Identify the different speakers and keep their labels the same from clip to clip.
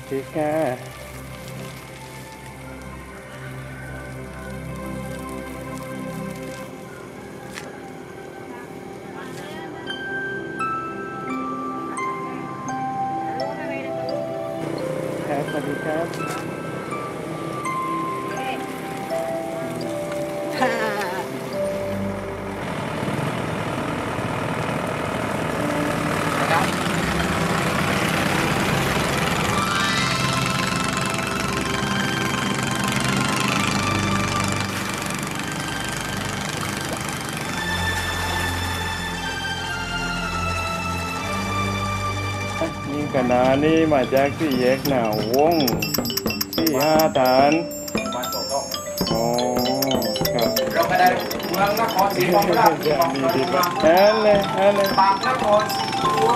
Speaker 1: ดีค่ะครับสวัสดีครับนี่คณะนี่มาจากที่แยกหนาวงที่5 ฐานอ๋อครับ
Speaker 2: เราไม่ได้เมืองนครศรีธรรมราช
Speaker 1: นั่นเลย
Speaker 2: ปากนครศรี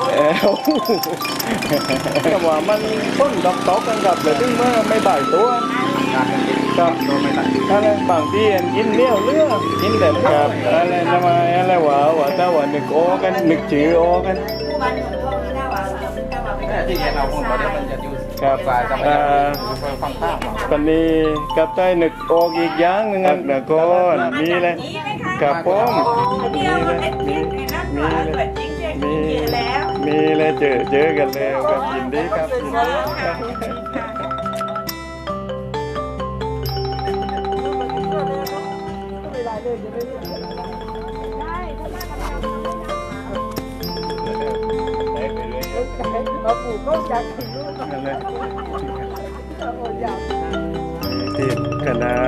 Speaker 1: แต่ว่ามันต้นดอกตอกกันกับเลยถึงเมื่อไม่บ่ายตัวครับอะไรบางที่กินเลี้ยวเลือกินแต่ครับอะไรทำไมอะไรว่าถ้าว่านึกโอกันนึกชื่อโอกัน
Speaker 2: ที่เห็นเราคนเราได้มันจะอยู่
Speaker 1: ครับ
Speaker 2: ฝ่ายจะไม่ได้ฟังข้าว
Speaker 1: ตอนนี้กับใต้นึกออกอีกอย่างหนึ่งนะก่อนมีเลยกับผมมีเลยเจอกันแล้วกับยินดีครับ
Speaker 3: เราปลูกก็อยากกินลูกนั่นเลย
Speaker 1: ที่คณะ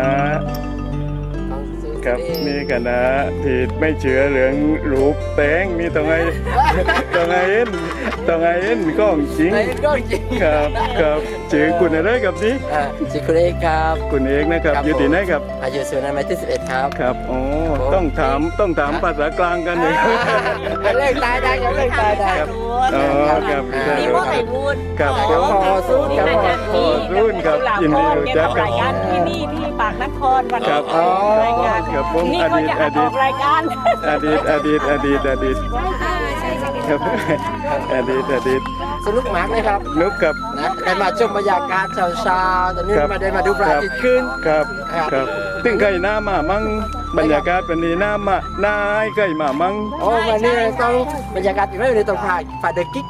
Speaker 1: กับมีคณะที่ไม่เชื่อเรื่องรูปแป้งมีต้องไงเอ็นก้องจริงครับชื่อคุณอะไรกับนี้
Speaker 3: ชื่อคุณเอกครับ
Speaker 1: คุณเอกนะครับอยู่ที่ไหนครับ
Speaker 3: อายุสุนันท์ที่11ครับ
Speaker 1: ครับอ๋อต้องถามภาษากลางกันเลย
Speaker 3: เลิกตายได้ยังเลิกตายได้
Speaker 1: อ๋อครับ
Speaker 4: นี่พวกไข่บูด
Speaker 1: ครับ
Speaker 3: พอสู้
Speaker 1: ครับรุ่นครับยินดีรู้จักกัน
Speaker 4: ที่นี่ที่ปากนครวัน
Speaker 1: ครับอ๋อครับผม
Speaker 4: นี่เขาจะออกรายการ
Speaker 1: อดีตครับอดีต
Speaker 3: สนุกมากเลยครับ
Speaker 1: นุกกับ
Speaker 3: นะได้มาชมบรรยากาศเช้าๆตอนนี้มาได้มาดูพระอาทิตย์ขึ้น
Speaker 1: ครับตึงไก่หน้ามามั่งบรรยากาศเป็นนี้หน้ามาหน้าไก่มามั่ง
Speaker 3: โอ้วันนี้ต้องบรรยากาศอีกไม่เลยต้องผ่านเดอะกิ๊ก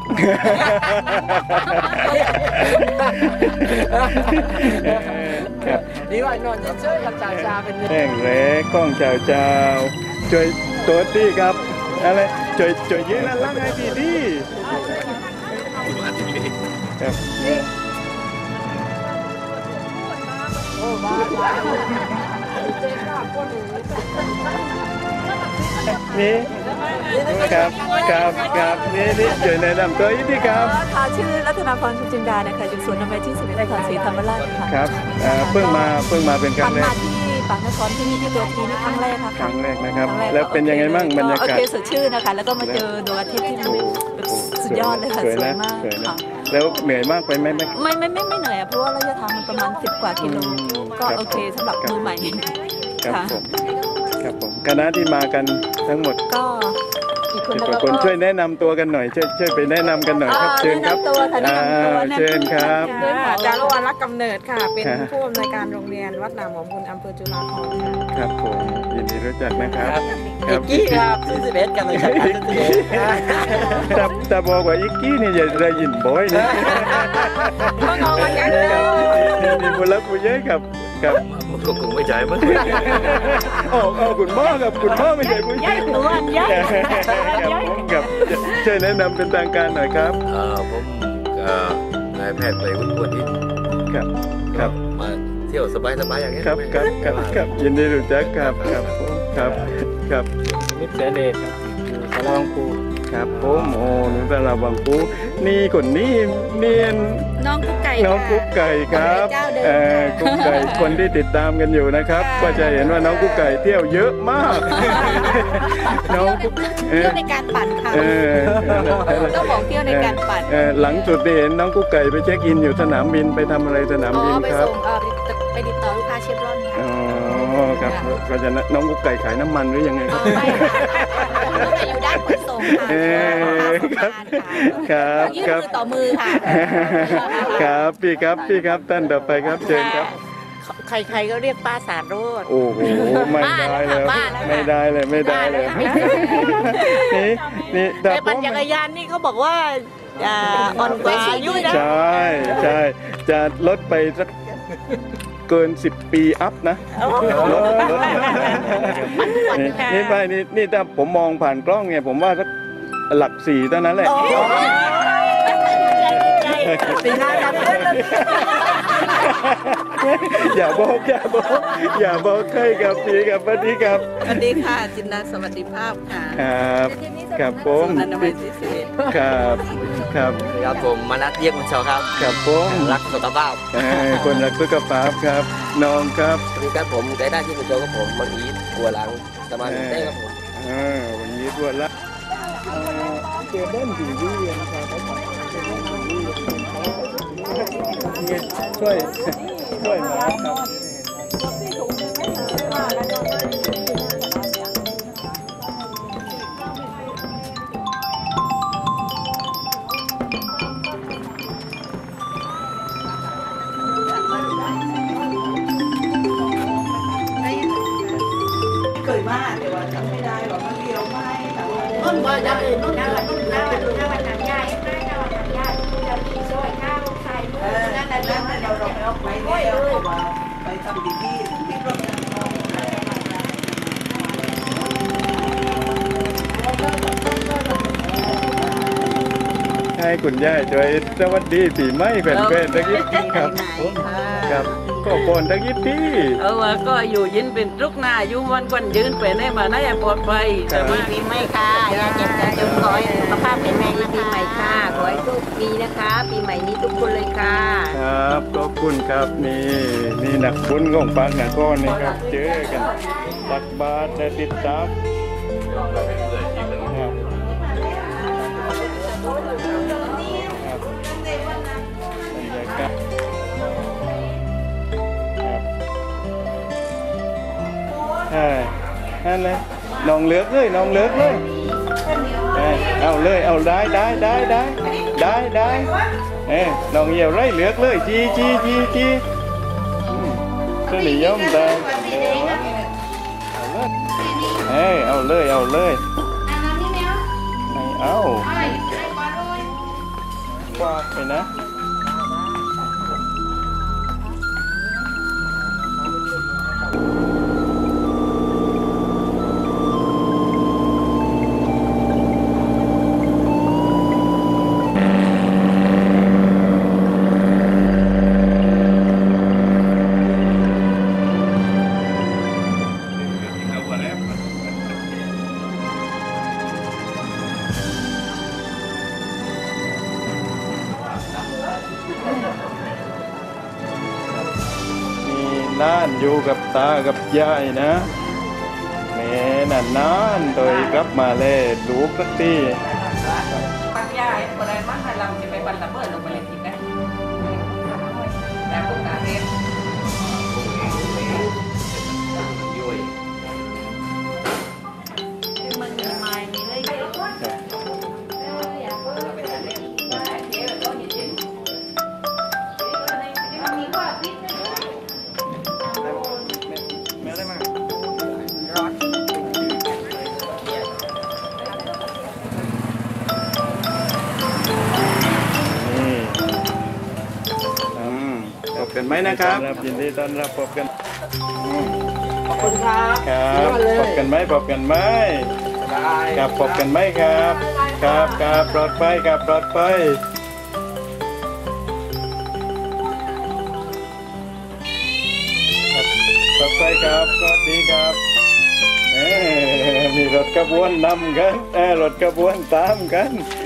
Speaker 3: นี่ว่านอนเฉยๆกับชาเป็น
Speaker 1: แห้งแล้กล้องเจ้าช่วยตัวตี้ครับอะไรช่วยยืนนั่นล่างให้ดีครับนี่ครับนี่ช่วยแนะนำตัวอีกทีครับ
Speaker 4: ค่ะชื่อรัตนาพรชุจินดานะคะอยู่สวนน้ำไม้ที่11นครศรีธรรมราชค่ะ
Speaker 1: ครับเพิ่งมาเป็นครั้งแรก
Speaker 4: มาที่ปากนครที่นี่ที่ตัวทีนี่ครั้งแรกค่ะ
Speaker 1: ครั้งแรกนะครับแล้วเป็นยังไงมั่งบรรยากาศ
Speaker 4: โอเคสดชื่นนะคะแล้วก็มาเจอดวงอาทิตย์ที่สุดยอดเลยค่ะสวยมากค่ะ
Speaker 1: แล้วเหนื่อยมากไปไหม
Speaker 4: ไม่เหนื่อยเพราะว่าระยะทางมันประมาณ10 กว่ากิโลก็โอเคสำหรับมือใหม่
Speaker 1: ครับผมคณะที่มากันทั้งหมด
Speaker 4: ก็
Speaker 1: คนช่วยแนะนำตัวกันหน่อยช่วยไปแนะนำกันหน่อยครับเชิญครับเชิญครับ
Speaker 5: จารุวรรณรักกำเนิดค่ะเป็นผู้อำนวยการโรงเรียนวัดหนามหอมบุญอำเภอจุฬาภรณ์
Speaker 1: ครับผมยินดีรู้จักนะครับ
Speaker 3: อีกกี้ครับ11กันเลย
Speaker 1: ครับแต่บอกว่าอีกกี้นี่อย่าได้ยินบ่อยนะ
Speaker 5: ก็งงกันยังเลย
Speaker 1: นี่บุญรักบุญเยอะครับ
Speaker 2: ก็คงไม่ใช่มั้ง
Speaker 1: คุณพ่อกับคุณพ่อไม่ใช่ผู้หญิงครับช่วยแนะนำเป็นทางการหน่อยครับ
Speaker 2: ผมนายแพทย์ไปวุฒิอิน
Speaker 1: ครับ
Speaker 2: มาเที่ยวสบายอย่างนี้
Speaker 1: ครับยินดีรู้จักครับ
Speaker 3: มิตรเสด็จสารวังปู
Speaker 1: ครับผมโอ้หนูสารวังปูนี่คนนี้เนียน
Speaker 4: น้องกุ๊กไก่
Speaker 1: ครับกุ๊กไก่คนที่ติดตามกันอยู่นะครับก็จะเห็นว่าน้องกุ๊กไก่เที่ยวเยอะมาก
Speaker 4: น้องเที่ยวในการปั่นค่ะต้องบอกเที่ยวในการปั่น
Speaker 1: หลังสุดที่เห็นน้องกุ๊กไก่ไปเช็คอินอยู่สนามบินไปทำอะไรสนามบินครับ
Speaker 4: ไปติดต่อลูกค้าเชฟรอน
Speaker 1: ครับก็จะน้องกุ๊กไก่ขายน้ำมันหรือยังไงครับ
Speaker 4: แต่อยู่ด้านขนส่งค่ะ
Speaker 1: ครับค
Speaker 4: ยื่น
Speaker 1: รับ
Speaker 4: มือต่อมือค่ะ
Speaker 1: ครับพี่ครับท่านต่อไปครับเชิญครับ
Speaker 6: ใครๆก็เรียกป้าสารโรจน์
Speaker 1: โอ้โหไม่ได้เลย
Speaker 6: บ้าแล้วค่ะ
Speaker 1: ไม่ได้เลยไม่ได้เลยนี่แต่
Speaker 6: แต่ปั่นจักรยานนี่เขาบอกว่าอ่อนกว่าอายุนะ
Speaker 1: ใช่จะลดไปสักเกิน10 ปีอัพนะลดนี่ไปนี่ถ้าผมมองผ่านกล้องเนี่ยผมว่าสักหลัก4เท่านั้นแหละ
Speaker 6: ปีหน้าจะเพื่อน
Speaker 1: อย่าบอกใครกับพี่กับปฏิครับ
Speaker 6: สวัสดีค่ะจินดาสวัสดิภาพค่ะ
Speaker 1: ครับผม
Speaker 6: อนามัยที่สิบ
Speaker 1: ครับครับ
Speaker 3: ครับผมมานัดเยี่ยมคุณชอครับ
Speaker 1: ครับผม
Speaker 3: รักสุขภาพ
Speaker 1: คนรักสุขภาพครับน้องครับ
Speaker 3: สวัสดีครับผมได้ที่คุณโจกับผมมังอีทบัวหลังสมาธิได้ครับผม
Speaker 1: วันนี้ตัวละเจอเด่นดีดีนะครับช่วยมาครับ
Speaker 6: เคยมาแต่ว่าทำไม่ได้หรอกมันเดียวไม่แต่ว่า
Speaker 4: ต้นว่าจะเอ็นต้นว่าหนังใหญ่ไม่หนังใหญ่จะมีซอยข้าวใส่ลูกนั่นแหละ
Speaker 6: แล้วเราเอาไปแล้วว่าไปทำดีที่รถ
Speaker 1: ให้คุณย่าช่วยสวัสดีปีใหม่แฟนๆตะกี้ครับครับก็ปนตะกี้พี่
Speaker 6: ว่าก็อยู่ยินเป็นทุกหน้าอยู่วันวันยืนไปในมาในปลอดภัยแต่ว่าปีใหม่ค่ะยาเจ็บจะจงขอให้สุขภาพแข็งแรงปีใหม่ค่ะขอให้ทุกปีนะคะปีใหม่นี้ทุกคนเลยค่ะ
Speaker 1: ครับขอบคุณครับนี่นักบุญของปากนักก้อนนี่ครับเจอกันตักบาตรและติดตามครับนั่นเลยน้องเลือกเลยเอาเลยเอาได้น้องเหี่ยวไรเลือกเลยจีสนิยมได้เอาเลยไม่เอากวาดไปนะน่านอยู่กับตากับยายนะแม่นานโดยกลับมาเลยดูสักที
Speaker 6: ปัญญาคนใดมั่งให้เราจะไปบันละเมิดลงไปเลยทีนะแต่พวกการเรียน
Speaker 1: พบกันไหมนะครับยินดีต้อนรับพบกัน
Speaker 3: ขอบคุณครับ
Speaker 1: ครับพบกันไหมครับพบกันไหมครับปลอดภัยครับปลอดภัยปลอดภัยครับสวัสดีครับมีรถกระบวนนำกันรถกระบวนตามกัน